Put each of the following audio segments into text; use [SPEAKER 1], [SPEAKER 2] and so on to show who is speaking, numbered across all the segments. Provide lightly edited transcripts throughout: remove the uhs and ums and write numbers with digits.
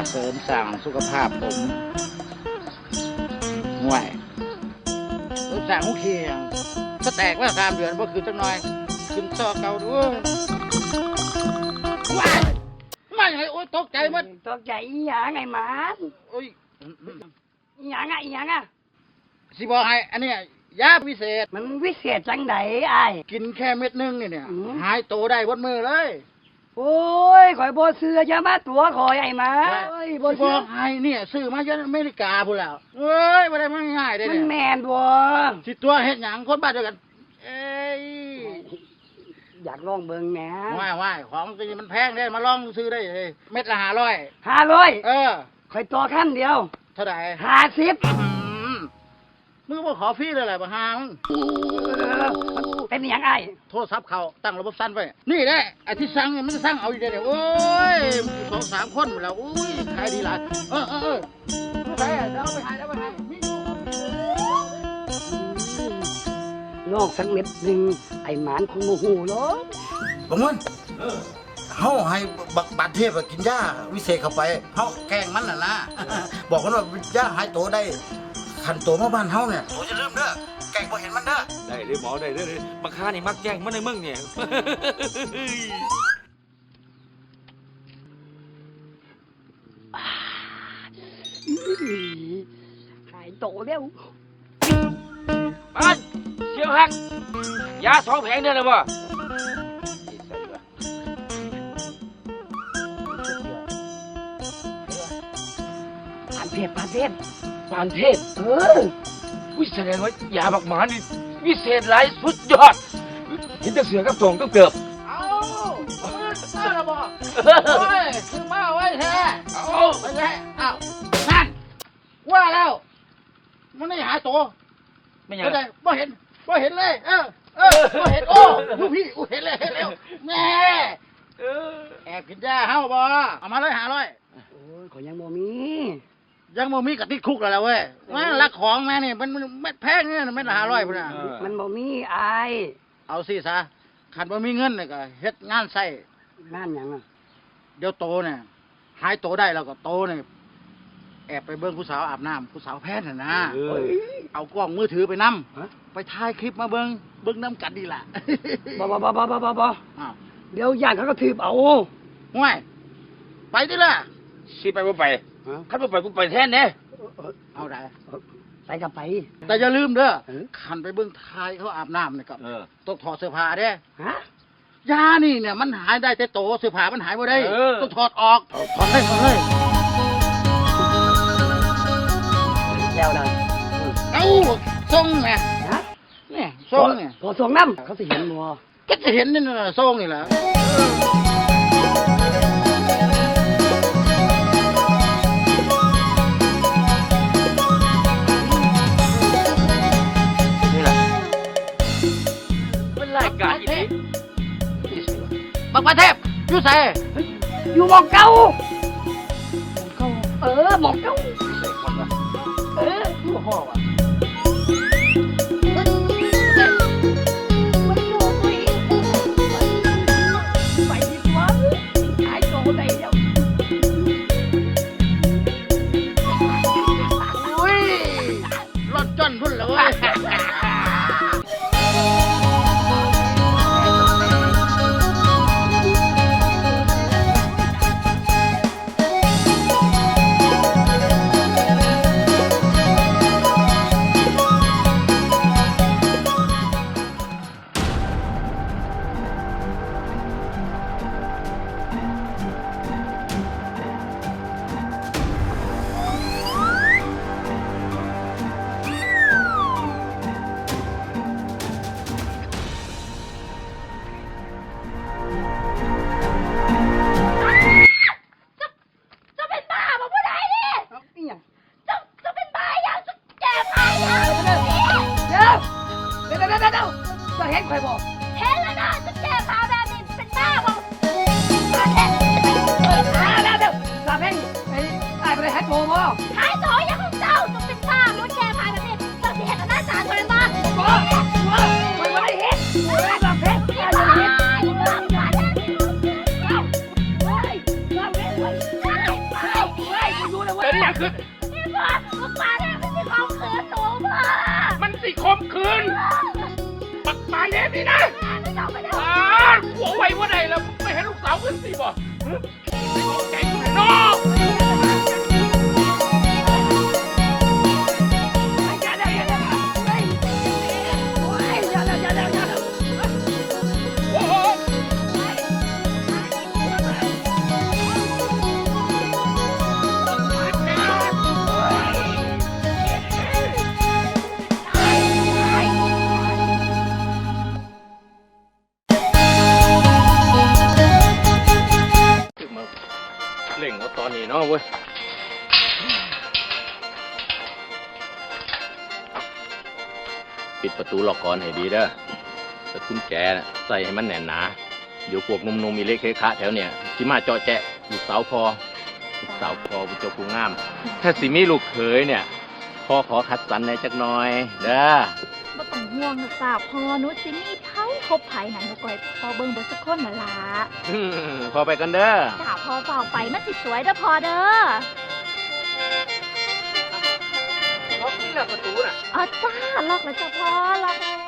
[SPEAKER 1] เสริมสร้างสุขภาพผมห่วยเสริมสร้างหูเคียงสแตกว่า3 เดือนก็คือจังน้อยขึ้นซอเก่าด้วยว้ายมาอย่างไรโอ้ยตกใจมัน
[SPEAKER 2] ตกใจอีหยังไงหมาน
[SPEAKER 1] โอ้ย
[SPEAKER 2] อีหยังอ่ะอีหยังอ่ะ
[SPEAKER 1] สิบอกให้อันเนี้ยยาพิเศษ
[SPEAKER 2] มันวิเศษจังไดอ้าย
[SPEAKER 1] กินแค่เม็ดนึงเนี่ย
[SPEAKER 2] อืม
[SPEAKER 1] หายโตได้บนมือเลย
[SPEAKER 2] โอ้ยข่อยบ่เชื่ออย่ามาตัวข่อยไอ้หมาโอ้ยบ่
[SPEAKER 1] บ
[SPEAKER 2] เชื่
[SPEAKER 1] อ
[SPEAKER 2] อก
[SPEAKER 1] ให้เนี่ยซื้อมาจากอเมริกาพูดแล้วเอ้ยไม่ได้มาง่ายๆได้
[SPEAKER 2] มั
[SPEAKER 1] เนี่
[SPEAKER 2] น
[SPEAKER 1] ย
[SPEAKER 2] แม่นบ่
[SPEAKER 1] สิตัวเฮ็ดหยังคนบ้านเดียวกัน เอ้ย
[SPEAKER 2] อยากลองเบิ่งแหม
[SPEAKER 1] ว่ายของจริงมันแพงได้มาลองซื้อได้เลยเม็ดละ500
[SPEAKER 2] 500
[SPEAKER 1] เออ
[SPEAKER 2] ข่อยต่อขั้นเดียว
[SPEAKER 1] เท่าไหร่
[SPEAKER 2] 50
[SPEAKER 1] มึงบ่ขอฟรีเลยแหละบ่หามึง
[SPEAKER 2] มันเป็นอีหยังอ้าย
[SPEAKER 1] โทรศัพท์เขาตั้งระบบสั้นไว้นี่แหละไอ้ที่สั่งเนี่ยมันสั่งเอาอยู่เดี๋ยวโอ้ย2-3 คนหมดแล้วอุ้ยขายดีหลายใช่เดี๋ยวเอาไปหามีอยู่
[SPEAKER 2] ลองสักเม็ดหนึงไอ้หมานคงบ่ฮู้หรอก
[SPEAKER 1] บังมันเฮาให้บักบาดเทพกินยาวิเศษเข้าไปเฮาแกล้งมันน่ะนะ บอกมันว่ายาหายโตได้ขันโตมาบ้านเฮาเนี่ยโตจะเริ่มเด้อแกล้งบ่เห็นมันเด้อ
[SPEAKER 3] ได้เลยหมอได้เลยบักค้านี่มักแย่งมันในเมืองเนี่ย
[SPEAKER 2] หายโตแล้ว
[SPEAKER 3] มันเสียวหักยา2 แผงเนี่ยนะบ่
[SPEAKER 2] ผ่านเพศ
[SPEAKER 3] ปานเทพ
[SPEAKER 2] เออ
[SPEAKER 3] วิแสดงว่ายาบักหมานี่วิเศษหลายสุดยอดเห็นแต่เสือกับตรงก็เกือบ
[SPEAKER 1] เอามาละบ่โอ้ยคือมาไว้แท้
[SPEAKER 3] เอา
[SPEAKER 1] ไปแท้อ้าวนั่นว่าแล้วมันไม่หายโต
[SPEAKER 3] ไม่ยัง
[SPEAKER 1] ไม่ได้บ่เห็นเลย บ่เห็นโอ้ลูกพี่เห็นแล้วแม่แอบกินยาเฮาบ่เอามาเลย500
[SPEAKER 2] โอ้ยขอยยังบ่มี
[SPEAKER 1] ยังบ่มีกะติดคุกแล้วเว้ยมาลักของมานี่มันแพงเนี่ยไม่ละ500พุ่นน่ะ
[SPEAKER 2] มันบ่มีอาย
[SPEAKER 1] เอาสิซะคันบ่มีเงินนี่ก็เฮ็ดงานใส่
[SPEAKER 2] งานหยังอ่ะ
[SPEAKER 1] เดี๋ยวโตเนี่ยหายโตได้แล้วก็โตเนี่ยแอบไปเบิ่งผู้สาวอาบน้ำผู้สาวแพทย์น่ะนะ เอากล้องมือถือไปนำ
[SPEAKER 2] ฮะ
[SPEAKER 1] ไปถ่ายคลิปมาเบิ่งน้ำกันดีล่ะ
[SPEAKER 2] บ่
[SPEAKER 1] อ้าว
[SPEAKER 2] เดี๋ยวย่างเขาก็ถีบเอา
[SPEAKER 1] ห่วยไปดิล่ะ
[SPEAKER 3] สิไปบ่ไปคันบ่ไปกูไปแทนเด้
[SPEAKER 1] เอาได้
[SPEAKER 2] ไปกับไป
[SPEAKER 1] แต่อย่าลืมเด้อ
[SPEAKER 2] เออ
[SPEAKER 1] คันไปเบิ่งถ่ายเขาอาบน้ำนี่ก็
[SPEAKER 3] เออ
[SPEAKER 1] ต้องถอดเสื้อผ้าเด้
[SPEAKER 2] ฮะ
[SPEAKER 1] ยานี่เนี่ยมันหายได้แต่โตเสื้อผ้ามันหายบ่ได้
[SPEAKER 3] เออ
[SPEAKER 1] ต้องถอดออกถอดเลย
[SPEAKER 2] แล้วนะ
[SPEAKER 1] เอ้าทรงไง
[SPEAKER 2] ฮะ
[SPEAKER 1] เนี่ยทรงเนี่ย
[SPEAKER 2] พอส่งน้ำเขาสิเห็นบ่
[SPEAKER 1] ก็จะเห็นนี่น่ะทรงนี่แหละ
[SPEAKER 3] นี่แหละเป็นรายการอีนี้
[SPEAKER 1] บักประเทพอยู่ไส
[SPEAKER 2] อยู่หมองเก่าเออหมองเก่า
[SPEAKER 3] ใส่คนละ
[SPEAKER 2] เอออยู่ห้องอ่ะไปดีกว่าหายโตได้แล้ว
[SPEAKER 1] อุ้ยรถจนพุ่นแล้วเว้ย
[SPEAKER 3] คืนปักปาเล็บนี่นะหัวไวว่าใดแล้วไม่ให้ลูกสาวขึ้นสิบ่ใจกูเลยน้องเล่งเอาตอนนี้เนาะเว้ยปิดประตูล็อกก่อนให้ดีเด้อแต่กุญแจน่ะใส่ให้มันแน่นหนาเดี๋ยวพวกนมๆมีเล็กเคคะแถวเนี่ยที่มาเจาะแจะลูกสาวพอลูกสาวพอผู้เจ้าผู้งามถ้าสิมีลูกเขยเนี่ยพ่อขอคัดสรรในจักหน่อยเด้อ
[SPEAKER 4] บ่ต้องห่วงนะจ้าพอหนุสิมีไผคบไผหนังบ่ก่อยพอเบิ่งเบ่สักคนน่ะล่ะ
[SPEAKER 3] พอไปกันเด้อ
[SPEAKER 4] จ้าพอเฝ้าไปมันสิสวยเด้อพอเด้อ
[SPEAKER 3] ล็อกนี่แหละประตูน่ะ
[SPEAKER 4] อ๋อจ้าล็อกแล้วจ้าพอล็อกแล้ว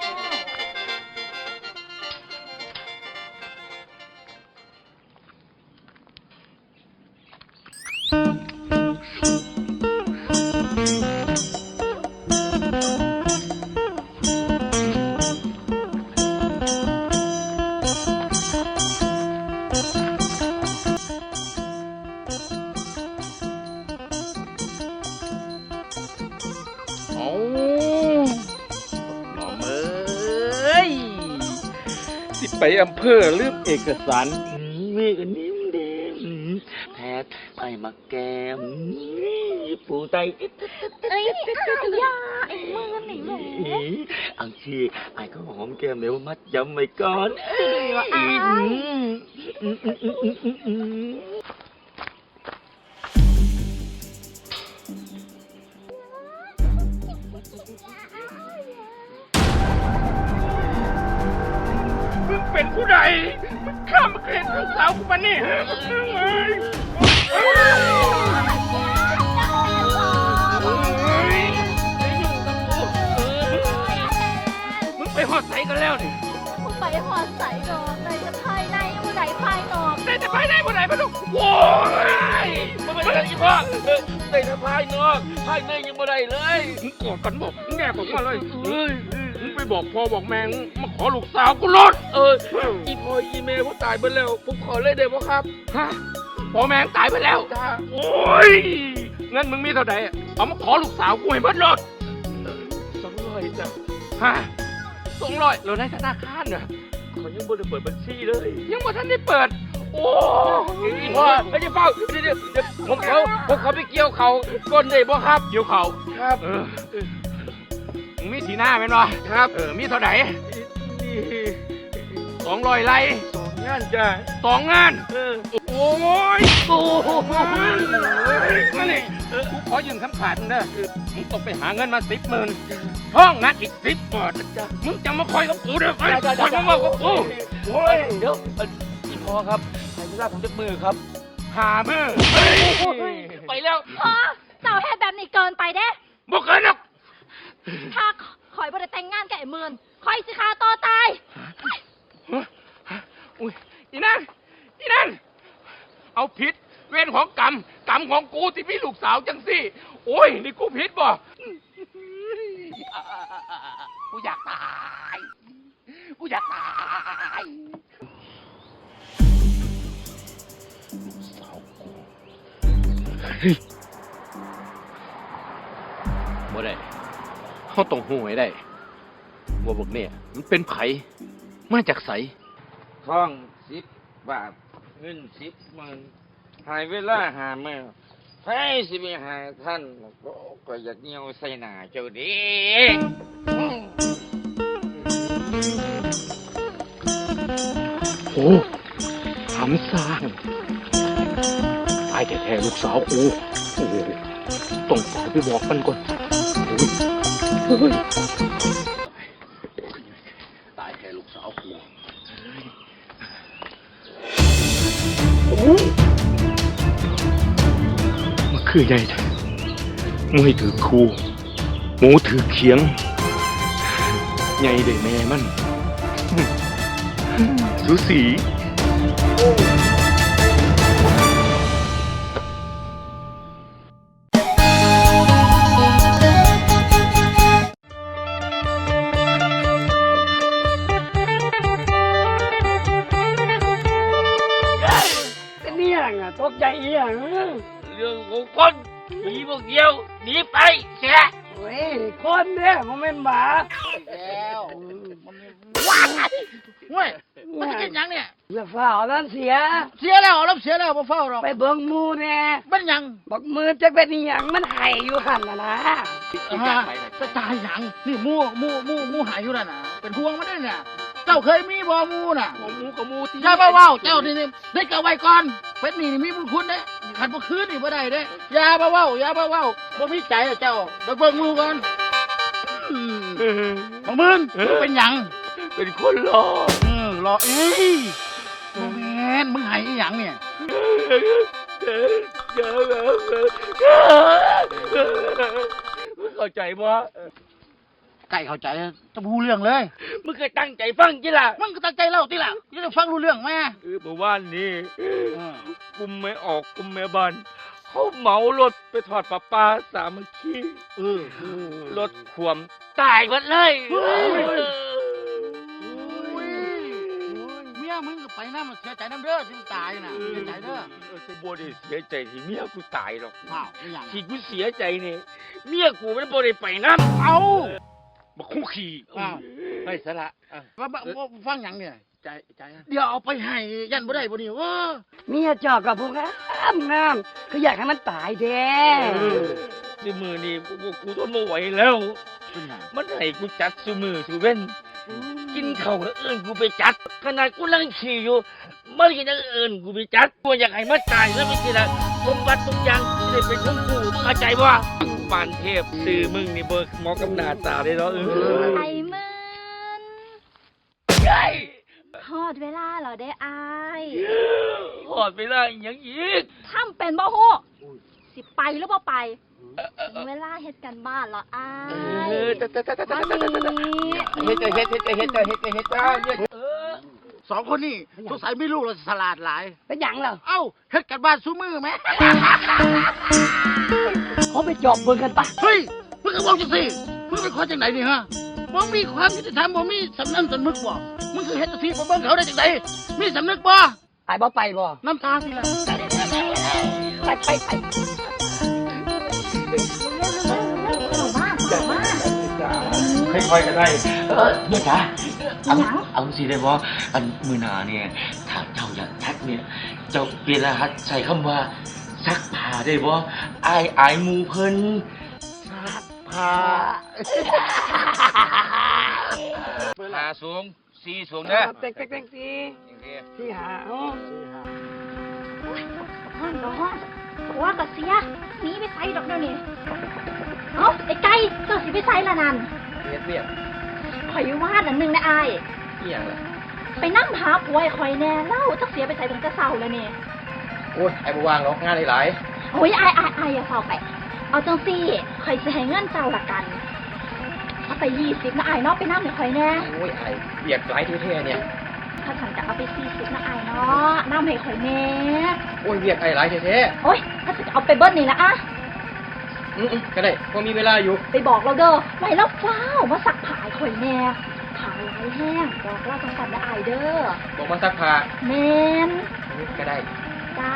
[SPEAKER 3] โอ้หมอมเอ้ยสิไปอำเภอลืมเอกสารมีอันนี้มันเดแพทย์ไปมาแกมปูไต
[SPEAKER 4] เอ้ยอย่าไอ้มือนี่แหม
[SPEAKER 3] อังชีไอ้ก็หอมแก้มเดี๋ยวมัดจำไว้ก่อน
[SPEAKER 4] สิดีว่าอ้าย
[SPEAKER 3] มึงเป็นผู้ใดมึงข้ามมาเกลียดลูกสาวกูมานี่มึงไปหอดใส่กันแล้วนี่
[SPEAKER 4] มึงไปหอดใส่ดอกในจะภายในผู้ใดภายนอก
[SPEAKER 3] ได้แต่ภายในผู้ใดมาดูโว้ยมันเป็นอะไรอีพ่อได้แต่ภายนอกภายในยังไม่ได้เลยมึงกอดกันบอกมึงแง่บอกมาเลยมึงไปบอกพ่อบอกแม่มาขอลูกสาวกูรถอีพ่ออีเมย์เขาตายไปแล้วผมขอเลยได้ป่ะครับฮะพ่อแม่ตายไปแล้วโอ้ยงั้นมึงมีเท่าไหร่เอามาขอลูกสาวกูให้เบิดรถ200จ้ะฮะ200เราในธนาคารน่ะเขายังไม่ได้เปิดบัญชีเลยยังไม่ทันได้เปิดโอ้ยพ่อไม่ได้เฝ้าเดี๋ยวผมเขาไปเกี่ยวเขาก้นได้บ่ครับเกี่ยวเขาครับมึงมีสีหน้าไหมเนาะครับมีเท่าไหร่200 ไร่2 งานจ้ะ2 งานโอ้ยนั่นนี่กูขอยืมคำขาดมึงเด้อมึงต้องไปหาเงินมา10,000ห้องงานอีก10 บาทมึงจะมาคอยกับกูเด้อคอยมากับกูโอ้ยเดี๋ยวพี่พอครับใครจะรับผมจักมือครับหามือไปแล้ว
[SPEAKER 4] พอเจ้าเฮ็ดแบบนี้เกินไปเด้
[SPEAKER 3] บอกเกินหรอก
[SPEAKER 4] ถ้าข่อยบ่ได้แต่งงานกับไอ้เมือนข่อยสิฆ่าตัวตาย
[SPEAKER 3] อุ้ยอีนั่นเอาผิดเวรของกรรมของกูที่พี่ลูกสาวจังสิโอ้ยนี่กูผิดบ่กูอยากตายลูกสาวกูบ่ได้เขาต้องหูให้ได้ว่าพวกเนี่ยมันเป็นไผมาจากไส
[SPEAKER 5] ท่อง10 บาทเงิน10,000หายเวลาหาแมวไผสิไปหาท่านก็อยากเหี่ยวใส่หน้าเจ้าเดิ
[SPEAKER 3] โอ้ทำสร้างตายแท้ๆลูกสาวกูโอ้ต้องฝากไปบอกมันก่อนโอ้ยตายแท้ลูกสาวกูมันคือไงมวยถือคูหมูถือเขียงใหญ่เด้แม่มัน สูสี
[SPEAKER 2] เป็นเนี่ยงอ่ะตกใจเอียง
[SPEAKER 5] เรื่องของคนมีพวกเดียวหนีไปเสีย
[SPEAKER 2] เว้ยคนเนี่ยมันเป็นหมา
[SPEAKER 1] แล้วว้ายเว้ยมันจะกินหยังเนี่ย
[SPEAKER 2] อย่าฝ่าเอานั่นเสีย
[SPEAKER 1] เสียแล้วรับเสียแล้วบ่เฝ้าหรอก
[SPEAKER 2] ไปเบิ่งหมูแน่
[SPEAKER 1] มันหยัง
[SPEAKER 2] บอกมือจะเป็นอหย่างมันไห้อยู่หันนะ
[SPEAKER 1] จะตายหยังนี่หมูหายอยู่นั่นน่ะเป็นห่วงมันได้เนี่ยเจ้าเคยมีบ่หมูน่ะ
[SPEAKER 3] หมูกับหมูที่
[SPEAKER 1] อย่ามาเว้าเจ้านี่ได้เก็บไว้ก่อนเป็นนี่มีบุญคุณเด้ขันบ่คืนนี่บ่ได้เด้อย่ามาเว้าบ่มีใจอะเจ้าเดี๋ยวเบิ่งหมูก่อนบ่มึงเป็นหยัง
[SPEAKER 3] เป็นคนรอ
[SPEAKER 1] รอบ่แม่นมึงให้อีหยังเนี่ย
[SPEAKER 3] มึงเข้าใจบ่
[SPEAKER 1] ไก่เข้าใจจะพูดเรื่องเลย
[SPEAKER 3] มึงเคยตั้งใจฟังจิล่ะ
[SPEAKER 1] มึงก็ตั้งใจเล่าติล่ะจะได้ฟังรู้เรื่องแม่
[SPEAKER 3] เมื่อวานนี้กุมไม่ออกกุมแม่บ้านเขาเหมารถไปทอดปลาปลาสามัคคีรถขวมตายหมดเลย
[SPEAKER 1] เมียมึงก็ไปน้ำเสียใจน้ำเด้อที่มึงตายน่ะเสียใจเด้อ
[SPEAKER 3] บ่ได้เสียใจที่เมียกูตายหรอก
[SPEAKER 1] ว้าวอีหยัง
[SPEAKER 3] ที่กูเสียใจนี่เมียกูมันบ่ได้ไปน้ำ
[SPEAKER 1] เอา
[SPEAKER 3] มาคุกขี่
[SPEAKER 1] อ้าว
[SPEAKER 3] ไม่สละ
[SPEAKER 1] ว่าฟังหยังเนี่ยใจเดี๋ยวเอาไปให้ยันบ่ได้บ่นี่ว้า
[SPEAKER 2] เมียเจอกกับพวกงามคืออยากให้มันตายแด้
[SPEAKER 3] ซื้อมือนี่กูทนไม่ไหวแล้ว มันให้กูจัดซื้อมือซื้อเว้นกินข้าวก็เอิ้นกูไปจัดขนาดกูนั่งขี่อยู่มันก็ยังเอิ้นกูไปจัดกูอยากให้มันตายแล้วไม่ใช่ละสมบัติทุกอย่างจะได้เป็นของกูเข้าใจว่าปานเทพซื้อมึงนี่เบิกหมอกำนาตาได้แล้ว
[SPEAKER 4] ไอ้มึน
[SPEAKER 3] ใช่
[SPEAKER 4] ทอดเวลาเหรอได้อาย
[SPEAKER 3] หอดไปได้ยังอีก
[SPEAKER 4] ทำเป็นบ่ฮู้สิไปหรือบ่ไปถึงเวลาเฮ็ดกันบ้านเหรออายวันนี้
[SPEAKER 3] เฮ็ด
[SPEAKER 1] สองคนนี่สงสัยไม่รู้เราฉลาดหลาย
[SPEAKER 2] เป็นหยังเหรอ
[SPEAKER 1] เอ้าเฮ็ดกันบ้านซูมือไหม
[SPEAKER 2] เขาไปจอบเบิ่งกันปะ
[SPEAKER 1] เฮ้ยมึงก็บอกจังสิมึงเป็นคนจังไหนนี่ฮะบ่มีความยุติธรรมบ่มีสำนึกสำนึกบ่มึงคือเฮ็ดจังซี่บ่เบิ่งเขาได้จังไดมีสำนึกบ่
[SPEAKER 2] ไอ้บ่ไปบ่
[SPEAKER 1] น้ำตาสิล่ะ
[SPEAKER 2] ไป
[SPEAKER 6] ค่อยๆก็ได้เนี่ยจ้ะเอาสิได้บ่อันมือหนาเนี่ยถ้าเจ้าอยากทักเนี่ยเจ้าเปลี่ยนรหัสใส่คำว่าซักผ้าได้บ่อายหมูเพิ่นซักผ้า
[SPEAKER 5] หาสูงสี่สูงเด้อ
[SPEAKER 2] เต็งที่หาเอา
[SPEAKER 4] ห้องห้องว่าก็เสียหนีไปไสดอกเดี๋ยวนี้เอ้าไอ้ไก่เจ้าสิไปไสละนั่น
[SPEAKER 6] เรียบ
[SPEAKER 4] ข่อยว่าอันหนึงนะอาย
[SPEAKER 6] เอียงล่ะ
[SPEAKER 4] ไปนั่งหาผัวไอ้ข่อยแน่เล่าจักเสียไปไสถึงจะเศร้าแล้วนี่
[SPEAKER 6] โอ้ยไอ้บ่วางหรอกงานหลาย
[SPEAKER 4] โอ้ยอายอย่าเศร้าไป เอาจังซี่ข่อยสิให้เงินเจ้าละกันเอาไป20นะอายเนาะไปนั่งให้ข่อยแน่
[SPEAKER 6] โอ้ยไอ้เบียกหลายแท้ๆเนี่ย
[SPEAKER 4] ถ้าฉันจะเอาไป40นะอายเนาะนั่งให้ข่อยแน่
[SPEAKER 6] โอ้ยเบียกไอ้หลายแท้
[SPEAKER 4] โอ้ยถ้าฉันจะเอาไปเบิ้ลนี่ละอะ
[SPEAKER 6] ก็ได้พอมีเวลาอยู่
[SPEAKER 4] ไปบอกเราเด้อไว้แล้วฟ้าวมาสักผายข่อยแน่ผายหลายแห้งบอกเล่าจังสันนะอายเด้อ
[SPEAKER 6] บอกมาซักผ้า
[SPEAKER 4] แมน
[SPEAKER 6] ก็ได้
[SPEAKER 4] จ้า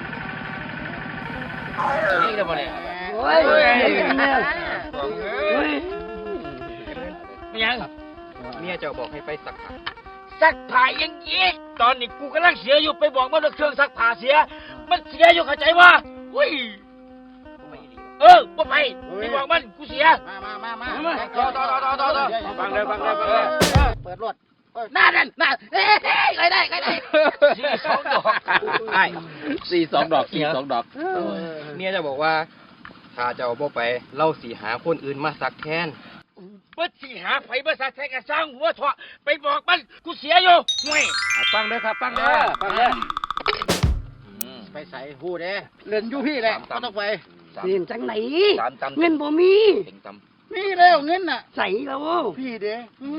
[SPEAKER 6] นี่ได้บ่เนี่ย
[SPEAKER 2] โอ้ยแม่โอ้ย
[SPEAKER 5] ไม่ยัง
[SPEAKER 6] เมียเจ้าบอกให้ไปซักผ้า
[SPEAKER 5] ซักผ้ายังอีกตอนนี้กูกำลังเสียอยู่ไปบอกมันว่าเครื่องซักผ้าเสีย มันเสียอยู่เข้าใจว่าอุ้ยบ่ไปไปบอกมันกูเสีย
[SPEAKER 1] มาต่อฟังเลยเปิดรถหน้านั่นหน้าเฮ้ยใครได้
[SPEAKER 5] 42 ดอก
[SPEAKER 6] 42 ดอก42 ดอกเมียเจ้าบอกว่าถ้าเจ้าบ่ไปเล่าสิหาคนอื่นมาซักแทน
[SPEAKER 5] เบิดสิหาไผบ่ซักแท้ก็สร้างหัวเถาะไปบอกมันกูเสียอยู่ห่วย
[SPEAKER 1] ฟังเด้อครับฟังเด้อไปใส่หูเด้เล่นอยู่พี่แหละก็ต้องไป
[SPEAKER 2] เรียนจังไหน
[SPEAKER 5] 3 ตำ
[SPEAKER 2] เงินบ่มี
[SPEAKER 5] เต็งต
[SPEAKER 1] นี่แล้วเงินน่ะ
[SPEAKER 2] ใส่แล้ว
[SPEAKER 1] พี่เด้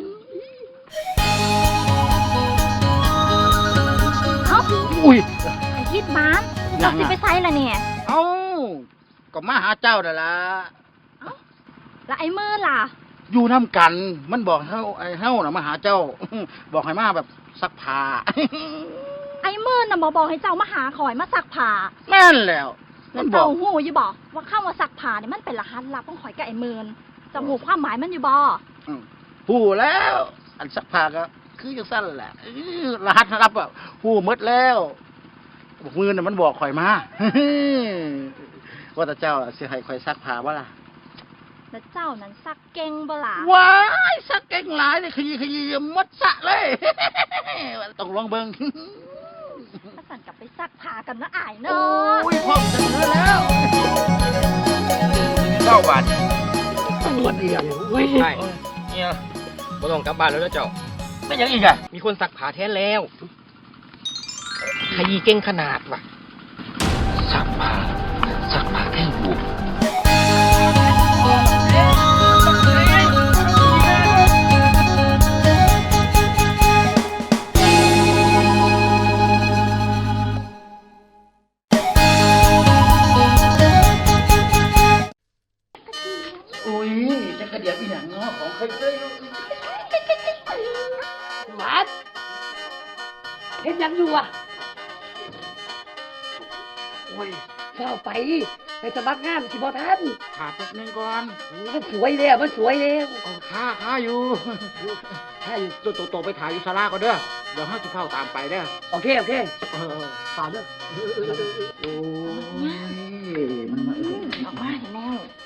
[SPEAKER 4] เอ้า
[SPEAKER 1] อุ้ย
[SPEAKER 4] ไอ้ฮิดมันเจ้าสิไปไซล่ะเนี่ย
[SPEAKER 1] เอ้าก็มาหาเจ้านั่นล่ะ
[SPEAKER 4] แล้วไอ้มือล่ะ
[SPEAKER 1] อยู่น้ำกัน มันบอกเฮาไอ้เฮาน่ะมาหาเจ้า บอกให้มาแบบซักผ้า
[SPEAKER 4] ไอ้มือน่ะบอกให้เจ้ามาหาข่อยมาซักผ้า
[SPEAKER 1] แม่นแล้ว
[SPEAKER 4] แล้
[SPEAKER 1] มั
[SPEAKER 4] วน
[SPEAKER 1] บอ
[SPEAKER 4] เจ้าก หูอยู่บ่ว่าคำว่าซักผ้าเนี่ยมันเป็นรหัสลับของข่อยกับไอ้มือนเจ้าหูความหมายมันอยู่บ่
[SPEAKER 1] หูแล้ว อันซักผ้าก็คือจังซั่นแหละรหัสรับอ่ะหูหมดแล้วบอกมือน่ะมันบอกข่อยมา ว่าแต่เจ้าสิให้ข่อยซักผ้าบ่ล่ะ
[SPEAKER 4] แล้วเจ้านั้นซักเก่งบ่ล่ะ
[SPEAKER 1] ว้ายซักเก่งหลายเลยขยี้หมดสระเลย ต้องลองเบิ่ง
[SPEAKER 4] ถ้าสั่นกลับไปซักผ้ากันนะอายเนา
[SPEAKER 1] โอ้
[SPEAKER 4] ะ
[SPEAKER 1] ยพร้อมจะเหลือแล้ว
[SPEAKER 5] 9 บาท
[SPEAKER 2] ตัวเดียวเว้ย
[SPEAKER 3] ใช่เนี่ยบ่ต้องกลับบ้านแล้วนะเจ้า
[SPEAKER 6] ไม่ยังอีกอ่ะ
[SPEAKER 3] มีคนซักผ้าแทนแล้วขยี้เก่งขนาดว่ะ
[SPEAKER 6] ซักผ้าแท่งบุก
[SPEAKER 1] อุ้ยจะกระเดียบอีหยังเนาะของเคยเจอ
[SPEAKER 2] วัดเฮ็ดหยังอยู่อ่ะโอ้ยเข้าไปสมัครงานสิบ่ทัน
[SPEAKER 1] ขาแป๊บนึงก่อน
[SPEAKER 2] มันสวยแล้วมันสวยแล้ว
[SPEAKER 1] เอาข้าอยู่ ข้าอยู่โตไปถ่ายอยู่ศาลาก่อนเด้อ เดี๋ยวห้าจะเข้าตามไปเด้อ
[SPEAKER 2] โอเคฝากเด้อ
[SPEAKER 1] โอ้ย
[SPEAKER 4] ออกมาเห็นแล้ว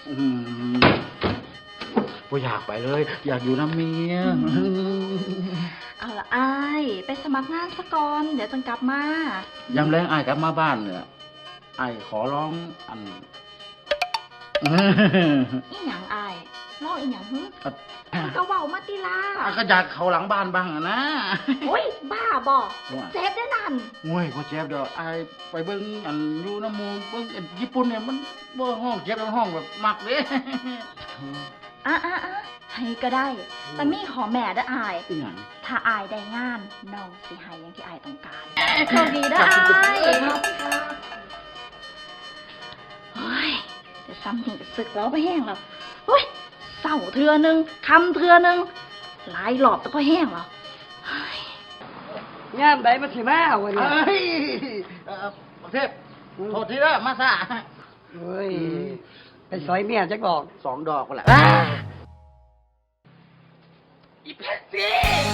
[SPEAKER 1] บ่อยากไปเลย อยากอยู่น้ำเมีย
[SPEAKER 4] เอาละอายไปสมัครงานซะก่อนเดี๋ยวจังกลับมาย
[SPEAKER 1] ามแรงอายกลับมาบ้านเนี่ยอายขอร้องอัน
[SPEAKER 4] อีหยังอายลอกอีหยังหึ
[SPEAKER 1] อ่ะ
[SPEAKER 4] ก็เว้ามาติลา
[SPEAKER 1] อายก็อยากเข้าหลังบ้านบ้างอะนะ
[SPEAKER 4] โอ้ยบ้าบ่เซฟได้นั่น
[SPEAKER 1] โอ้ยบ่เจ็บดอกอายไปเบิ่งอันอยู่น้ำหมูเบิ่งอันญี่ปุ่นเนี่ยมันบ่ห้องเจ็บแล้วห้องแบบมักเด้
[SPEAKER 4] อ่ะให้ก็ได้ แต่มีขอแม่เด้ออาย
[SPEAKER 1] อีหยัง
[SPEAKER 4] ถ้าอายได้งานน้องสิให้อย่างที่อายต้องการโชคดีเด้ออายเฮ้ยจะซ้ำถึงกับศึกแล้วไปแห้งแล้วเฮ้ยเศร้าเทือนึงคำเทือนึงหลายหลอบแต่พอแห้งแล้วเฮ้ย
[SPEAKER 2] งามใดมันสิมาวันนี้
[SPEAKER 1] เอ้ยประเทศโทษทีเด้อมาซะ
[SPEAKER 2] เฮ้ยไปซอยเมียจักดอก
[SPEAKER 1] 2 ดอกก็แหละ
[SPEAKER 6] อีเพชรสิ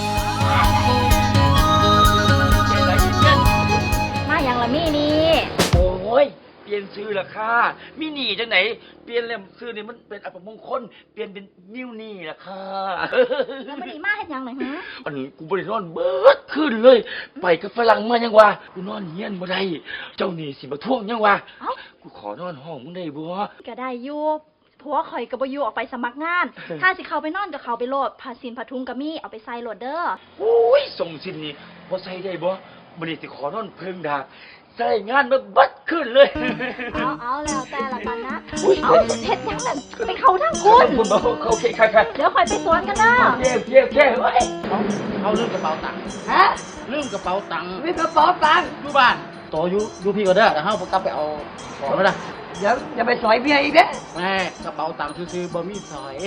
[SPEAKER 4] มาอย่างละมี่นี่
[SPEAKER 6] โอ้ย เปลี่ยนชื่อละค่ะมินี่จังไหน เปลี่ยนแล้วชื่อนี่มันเป็นอัปมงคล เปลี่ยนเป็นนิ้วนี่ละค่ะ
[SPEAKER 4] แล้วไม่ได้มาเฮ็ดหยังหน่อยฮะ
[SPEAKER 6] อันกูบริโนอนเบิดขึ้นเลย ไปกับฝรั่งมายังวะกูนอนเฮียนบ่ได้ เจ้านี่สิมาท่วงยังวะ
[SPEAKER 4] เอ้า
[SPEAKER 6] กูขอนอนห้องมึงได้บ่
[SPEAKER 4] ก็ได้อยู่ผัวข่อยกับบอยู่ออกไปสมัครงาน ถ้าสิเข้าไปนอนก็เข้าไปโหลดผ้าสินผ้าทุงก็มีเอาไปใส่โหลดเด้อ
[SPEAKER 6] โอ้ยส่งสินนี่บ่ใส่ได้บ่มื้อนี้สิขอนอนเพิ่งดากใส่งานมาเบัดขึ้นเลย
[SPEAKER 4] เอาแล้วแต่ละกันนะ
[SPEAKER 6] อุ๊ย
[SPEAKER 4] เอาเฮ็ดหยังนั่นไปเข้าทางคุณ
[SPEAKER 6] คุณบ่โอเคค่ะ
[SPEAKER 4] เดี๋ยวข่อยไปสวนกันเด้อ
[SPEAKER 6] เที่ยวเว้ย
[SPEAKER 1] เขาลืมกระเป๋าตังค์
[SPEAKER 2] ฮะ
[SPEAKER 1] ลืมกระเป๋าตังค์
[SPEAKER 2] มีกระเป๋าตังค์
[SPEAKER 1] อยู่บ้านโตอยู่พี่ก็เด้อเดี๋ยวเฮากลับไปเอาของมาละ
[SPEAKER 2] เดี๋ยวจะไปซอยเมียอีกเด้อ
[SPEAKER 1] แม่กระเป๋าตังค์ซื้อๆบ่มีสอย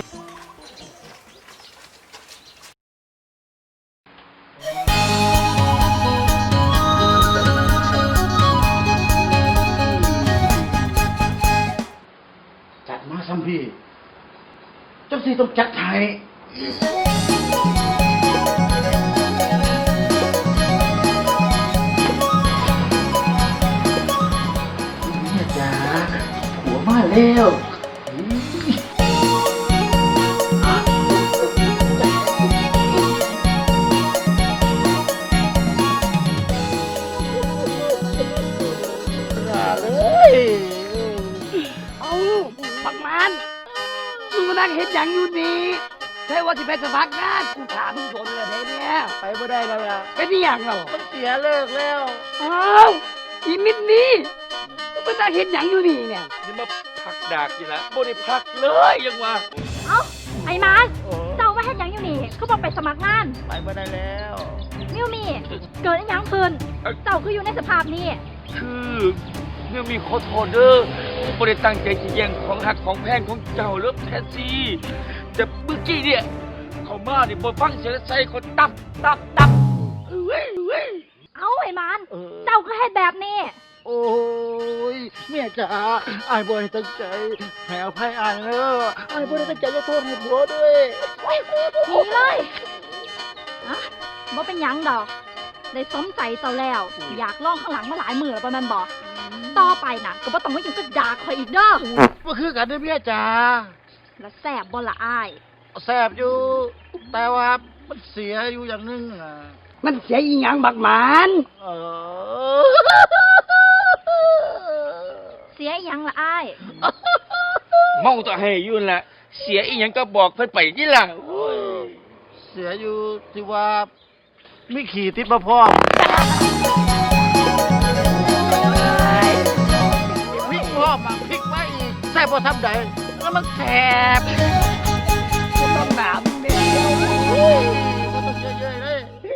[SPEAKER 1] จัดมาซัมพี่เจ้าสิต้องจัดให้เนี่ยจ้าหัวมาแล้วเลย
[SPEAKER 2] เอาปักมันมึงมานั่งเฮ็ดหยังอยู่นี่ใช่ว่าสิไปสมัครงานกูถามมึงโดนเลยเนี่ย
[SPEAKER 1] ไปไม่ได้แล้วล่ะ
[SPEAKER 2] เป็นอีหยังเหรอ
[SPEAKER 1] มันเสียเลิกแล้ว
[SPEAKER 2] อ้าวอีมิดนี่มึงมานั่งเฮ็ดหยังอยู่นี่เนี่ย
[SPEAKER 6] นี่มาพักดากนี่ละบ่ได้พักเลยยังวะ
[SPEAKER 4] เอ้าไอ้มันเจ้าว่าเฮ็ดหยังอยู่นี่เขาบอกไปสมัครงาน
[SPEAKER 1] ไปบ่ได้แล้ว
[SPEAKER 4] มิวมี่เกิดอีหยังขึ้นเจ้าคืออยู่ในสภาพนี้
[SPEAKER 3] คือเมื่อมีขอโทษเด้อผมไม่ได้ตั้งใจจะแย่งของหักของแพงของเจ้าเลิฟแทนซีแต่เมื่อกี้เนี่ยเขามาเนี่ยบนฟังเสียงใส่คนตับเว้ย
[SPEAKER 4] เอ้าไอ้มันเจ้าก็เฮ็ดแบบนี้
[SPEAKER 1] โอ้ยเมียจ๋าอายบ่ได้ตั้งใจให้อภัยอายเด้ออายบ่ได้ตั้งใจจะโทษให้ผัวด้วย
[SPEAKER 4] หนีเลยอะบ่เป็นหยังดอก ได้สมใจเจ้าแล้ว อยากลองข้างหลังมาหลายมือแล้วประมาณบอกต่อไปน่ะก็บ่ต้องมาอยู่กับด่าข่อยอีกเด้อ
[SPEAKER 1] บ่คือกันเด้อเมียจ๋า
[SPEAKER 4] และแซ่บบ่ละอ้าย
[SPEAKER 1] แซ่บอยู่ แต่ว่ามันเสียอยู่อย่างหนึงอ่ะ
[SPEAKER 2] มันเสียอีหยังบักหมาน
[SPEAKER 1] เออ
[SPEAKER 4] เสียอีหยังละอ้าย
[SPEAKER 3] เมาต่อให้อยุ่นนละเสียอีหยังก็บอกเพิ่นไปนี่ล่ะโอ้ย
[SPEAKER 1] เสียอยู่ที่ว่ามีขี่ติดมาพร้อมพริกพร้อมพริกมาอีกแซ่บพอทำใดแล้วมันแซ่บ
[SPEAKER 2] บักหนามเนี่ย